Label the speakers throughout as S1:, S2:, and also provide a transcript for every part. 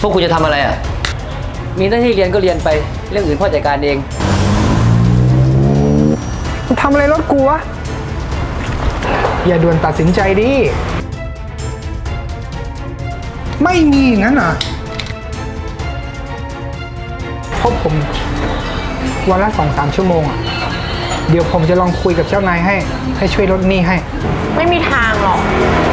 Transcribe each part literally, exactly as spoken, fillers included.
S1: วกคุณจะทำอะไรอ่ะมีหน้าที่เรียนก็เรียนไปเรื่องอื่นพ่อจัดการเอง
S2: ทำอะไรรถกูวะอย่าด่วนตัดสินใจดิไม่มีอย่างนั้นอ่ะพบผมวันละสองสามชั่วโมงอ่ะเดี๋ยวผมจะลองคุยกับเจ้านายให้ให้ช่วยลดหนี้ให้
S3: ไม่มีทางหรอก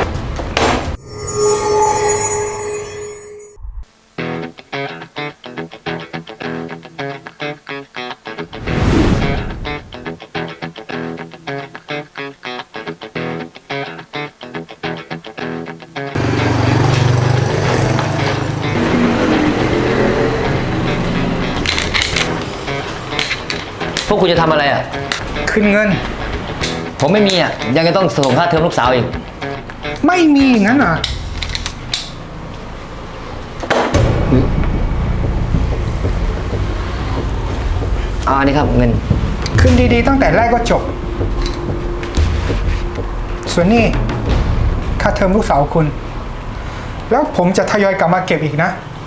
S1: พวกคุณจะทำอะไรอ่ะ
S2: คืนเงิน
S1: ผมไม่มีอ่ะยังจะต้องส่งค่าเทอมลูกสาวอีก
S2: ไม่มีอย่างนั้นอ่ะ
S1: อ่านี่ครับเงิน
S2: คืนดีๆตั้งแต่แรกก็จบส่วนนี้ค่าเทอมลูกสาวคุณแล้วผมจะทยอยกลับมาเก็บอีกนะ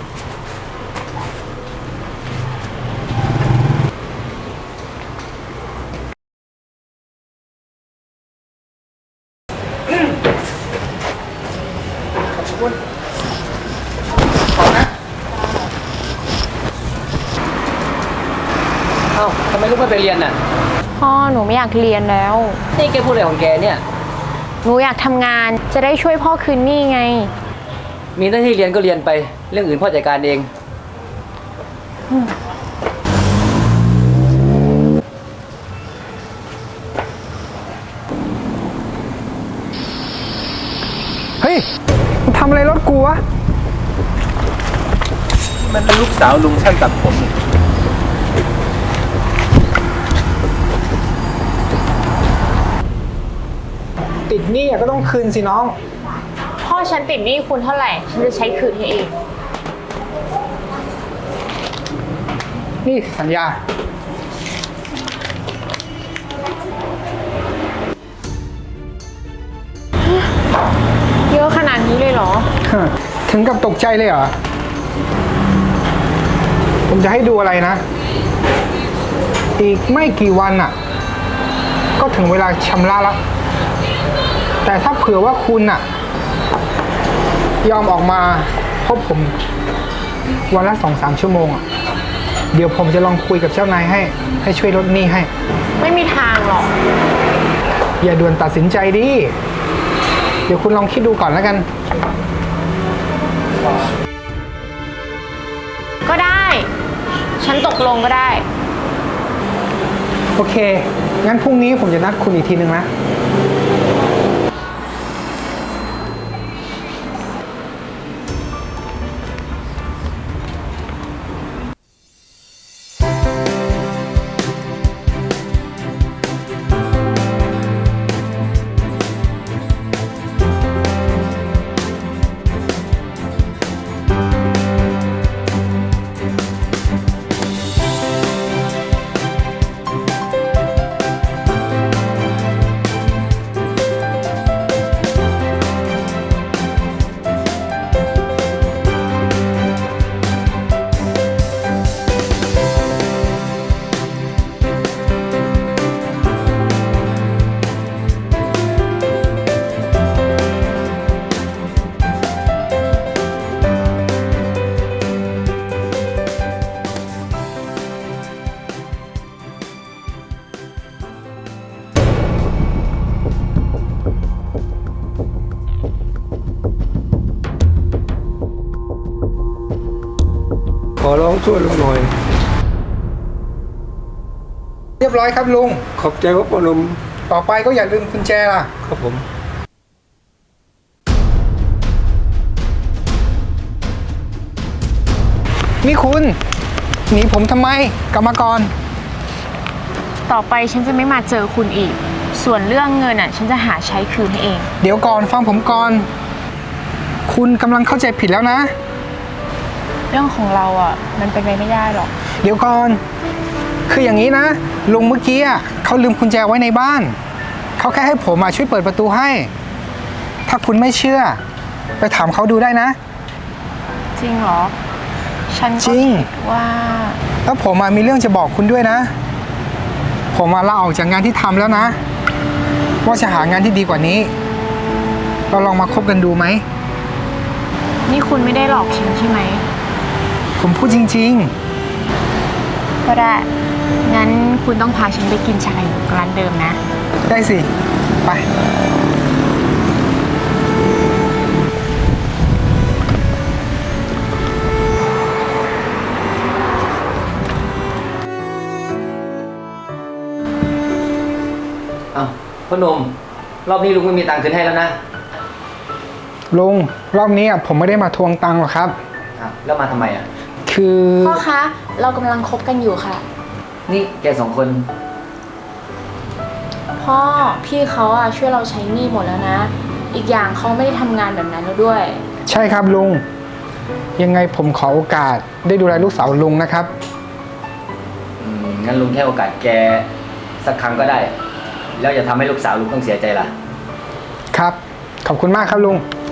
S1: เอ้าทำไมลูกไม่ไปเรียนน่ะ
S3: พ่อหนูไม่อยากเรียนแล้ว
S1: นี่แกพูดอะไรของแกเนี่ย
S3: หนูอยากทำงานจะได้ช่วยพ่อคืนหนี้ไง
S1: มีหน้าที่เรียนก็เรียนไปเรื่องอื่นพ่อจัดการเอง
S2: เฮ้ยมึงทำอะไรรถกูวะ
S4: มันเป็นลูกสาวลุงช่างตัดผม
S2: ติดหนี้ก็ต้องคืนสิน้อง
S3: พ่อฉันติดหนี้คุณเท่าไหร่ฉันจะใช้คืนให้เอง
S2: นี่สัญญา
S3: เยอะขนาดนี้เลยเหรอ
S2: ถึงกับตกใจเลยเหรอผมจะให้ดูอะไรนะอีกไม่กี่วันอ่ะก็ถึงเวลาชำระแล้วแต่ถ้าเผื่อว่าคุณน่ะยอมออกมาพบผมวันละสองสามชั่วโมงอ่ะเดี๋ยวผมจะลองคุยกับเจ้านายให้ให้ช่วยลดหนี้ให้
S3: ไม่มีทางหรอก
S2: อย่าด่วนตัดสินใจดิเดี๋ยวคุณลองคิดดูก่อนแล้วกัน
S3: ก็ได้ฉันตกลงก็ได้
S2: โอเคงั้นพรุ่งนี้ผมจะนัดคุณอีกทีนึงนะ
S4: ขอร้องช่วยลุงหน่อย
S2: เรียบร้อยครับลุง
S4: ขอบใจครับพ่อหนุ่ม
S2: ต่อไปก็อย่าลืมกุญแจล่ะ
S4: ครับผม
S2: นี่คุณหนีผมทำไมกลับมาก่อน
S3: ต่อไปฉันจะไม่มาเจอคุณอีกส่วนเรื่องเงินอ่ะฉันจะหาใช้คืนให้เอง
S2: เดี๋ยวก่อนฟังผมก่อนคุณกำลังเข้าใจผิดแล้วนะ
S3: เรื่องของเราอ่ะมันเป็นไปไม่ได้หรอก
S2: เดี๋ยวก่อนคืออย่างนี้นะลุงเมื่อกี้อ่ะเขาลืมกุญแจไว้ในบ้านเขาแค่ให้ผมมาช่วยเปิดประตูให้ถ้าคุณไม่เชื่อไปถามเขาดูได้นะ
S3: จริงเหรอฉันก็
S2: จริง
S3: คิดว่า
S2: แล้วผมอะมีเรื่องจะบอกคุณด้วยนะ ผมมาลาออกจากงานที่ทำแล้วนะ ว่าจะหางานที่ดีกว่านี้ เราลองมาคบกันดูไหม
S3: นี่คุณไม่ได้หลอกฉันใช่ไหม
S2: ผมพูดจริง
S3: ก็ได้ งั้นคุณต้องพาฉันไปกินชาไข่มุกร้านเดิมนะ
S2: ๆ ได้สิ ไป
S1: อ้าวพ่อหนุ่มรอบนี้ลุงไม่มีตังค์คืนให้แล้วนะ
S2: ลุง รอบนี้อะผมไม่ได้มาทวงตังค์หรอกครับ
S1: อ้าวแล้วมาทำไมอ่ะ
S2: คือ
S3: พ่อคะ เรากำลังคบกันอยู่ค่ะ
S1: นี่แกสองคน
S3: พ่อ พี่เขาอะช่วยเราใช้หนี้หมดแล้วนะ อีกอย่างเขาไม่ได้ทำงานแบบนั้นแล้วด้วย
S2: ใช่ครับลุง ยังไงผมขอโอกาสได้ดูแลลูกสาวลุงนะครับ
S1: อืมงั้นลุงแค่โอกาสแกสักครั้งก็ได้ แล้วอย่าทำให้ลูกสาวลุงต้องเสียใจล่ะ
S2: ครับ ขอบคุณมากครับลุง
S1: ค